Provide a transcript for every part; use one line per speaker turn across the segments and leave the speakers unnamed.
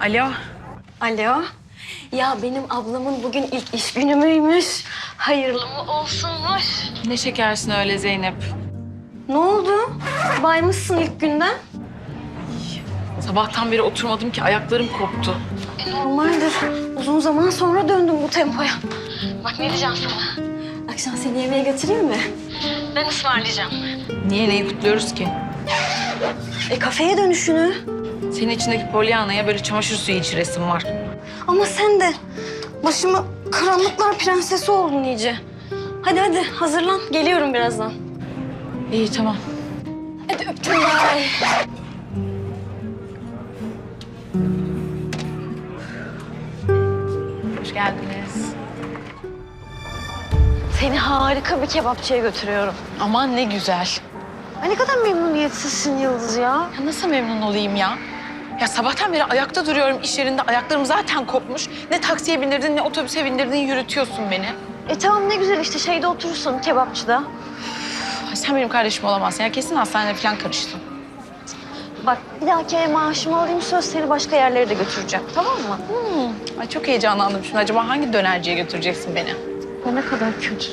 Alo.
Alo. Ya benim ablamın bugün ilk iş günü müymüş? Hayırlı mı olsunmuş?
Ne şekersin öyle Zeynep.
Ne oldu? Baymışsın ilk günden.
Sabahtan beri oturmadım ki ayaklarım koptu.
Normaldir. Uzun zaman sonra döndüm bu tempoya. Bak ne diyeceğim sana. Akşam seni yemeğe götüreyim mi? Ben ısmarlayacağım.
Niye neyi kutluyoruz ki?
Kafeye dönüşünü.
Senin içindeki Pollyanna'ya böyle çamaşır suyu içiresim var.
Ama sen de başımı karanlıklar prensesi oldun iyice. Hadi hazırlan. Geliyorum birazdan.
İyi tamam.
Hadi öptüm bay.
Hoş geldiniz.
Seni harika bir kebapçıya götürüyorum.
Aman ne güzel.
Ay ne kadar memnuniyetsizsin Yıldız ya.
Ya nasıl memnun olayım ya? Ya sabahtan beri ayakta duruyorum iş yerinde. Ayaklarım zaten kopmuş. Ne taksiye bindirdin ne otobüse bindirdin yürütüyorsun beni.
Tamam ne güzel işte şeyde oturursun kebapçıda.
Ay, sen benim kardeşim olamazsın. Ya kesin hastaneye falan karıştın.
Bak bir dahaki ay maaşımı alayım söz seni başka yerlere de götüreceğim tamam mı?
Ay çok heyecanlandım şimdi. Acaba hangi dönerciye götüreceksin beni?
Ya ne kadar kötü.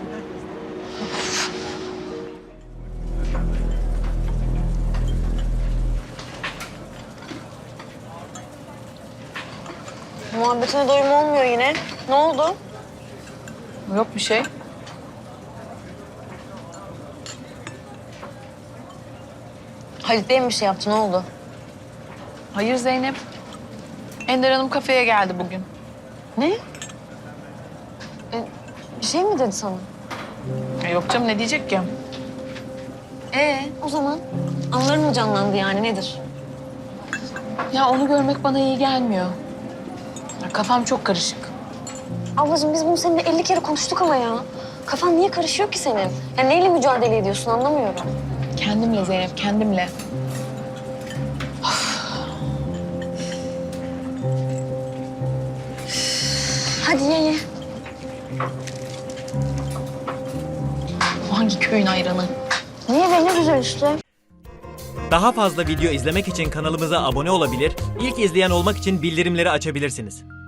Muhabbetine doyum olmuyor yine. Ne oldu?
Yok bir şey.
Halit Bey mi bir şey yaptı ne oldu?
Hayır Zeynep. Ender Hanım kafeye geldi bugün.
Ne? Bir şey mi dedi sana?
Yok canım ne diyecek ki?
O zaman anıların mı canlandı yani nedir?
Ya onu görmek bana iyi gelmiyor. Ya kafam çok karışık.
Ablacığım biz bunu seninle 50 kere konuştuk ama ya. Kafan niye karışıyor ki senin? Ya neyle mücadele ediyorsun anlamıyorum.
Kendimle Zeynep, kendimle.
Hadi ye.
Bu hangi köyün ayranı?
Niye be ne güzel işte.
Daha fazla video izlemek için kanalımıza abone olabilir, ilk izleyen olmak için bildirimleri açabilirsiniz.